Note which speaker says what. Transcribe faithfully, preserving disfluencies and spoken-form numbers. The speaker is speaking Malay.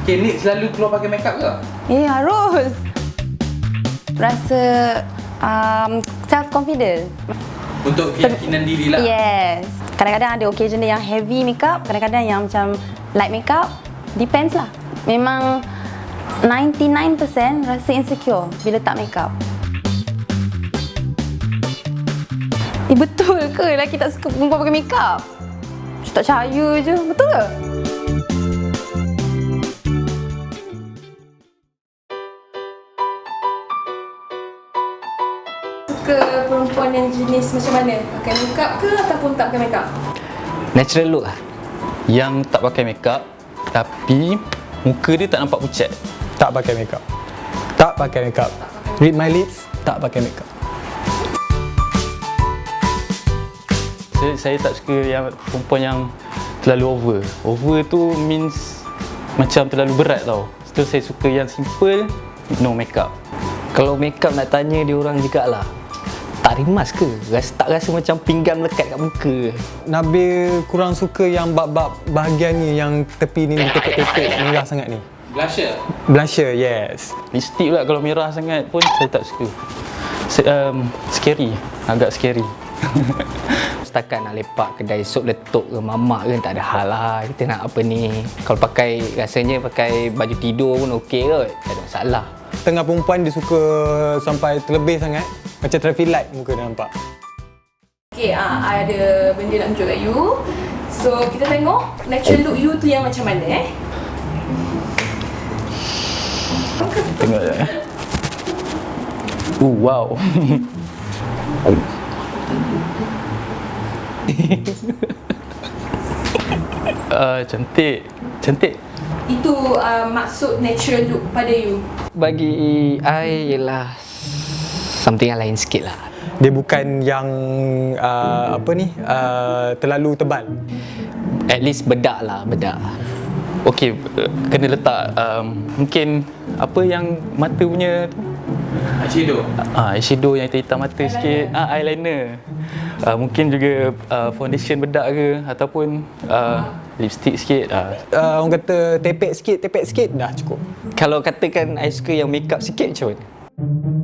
Speaker 1: Okay, Nick selalu keluar pakai makeup ke?
Speaker 2: Eh, harus. Rasa um, self-confident.
Speaker 1: Untuk keyakinan diri lah.
Speaker 2: Yes. Kadang-kadang ada occasion yang heavy makeup, kadang-kadang yang macam light makeup. Depends lah. Memang ninety-nine percent rasa insecure bila tak makeup. Eh, betul ke lelaki tak suka perempuan pakai makeup? Saya tak percaya je. Betul ke? Suka perempuan yang jenis macam mana? Pakai makeup ke ataupun tak pakai makeup?
Speaker 3: Natural look lah. Yang tak pakai makeup tapi muka dia tak nampak pucat.
Speaker 4: Tak pakai makeup. Tak pakai makeup. Read my lips, tak pakai makeup.
Speaker 3: Saya, saya tak suka yang perempuan yang terlalu over. Over tu means macam terlalu berat tau. So saya suka yang simple, no makeup.
Speaker 5: Kalau makeup nak tanya dia orang jugalah. Tak rimas ke? Rasa, tak rasa macam pinggan melekat kat muka ke?
Speaker 4: Nabil kurang suka yang bab-bab bahagian ni, yang tepi ni tepek-tepek merah sangat ni.
Speaker 1: Blusher?
Speaker 4: Blusher, yes.
Speaker 3: Lipstick pula kalau merah sangat pun saya tak suka. Se- um, scary, agak scary.
Speaker 5: Setakat nak lepak kedai sup letup ke mamak ke tak ada hal lah. Kita nak apa ni? Kalau pakai, rasanya pakai baju tidur pun okey kot. Tak ada masalah.
Speaker 4: Tengah perempuan dia suka sampai terlebih sangat. Macam traffic light muka dia nampak.
Speaker 2: Okay, ah, I ada benda nak tunjuk kat you. So, kita tengok natural look you tu yang macam mana eh.
Speaker 3: Tengok je. Uh, wow. uh, cantik. Cantik.
Speaker 2: Itu uh, maksud natural look pada you.
Speaker 5: Bagi I ialah something yang lain sikit lah.
Speaker 4: Dia bukan yang uh, apa ni uh, terlalu tebal.
Speaker 5: At least bedak lah, bedak.
Speaker 3: Okey, kena letak um, mungkin apa yang mata punya tu.
Speaker 1: Eyeshadow?
Speaker 3: Ah, eyeshadow yang hitam mata eyeliner. Sikit. Ah, eyeliner. Ah, mungkin juga uh, foundation bedak ke ataupun uh, lipstick sikit. Ah.
Speaker 4: Uh, orang kata tepek sikit, tepek sikit dah cukup.
Speaker 5: Kalau katakan I suka yang makeup sikit macam mana?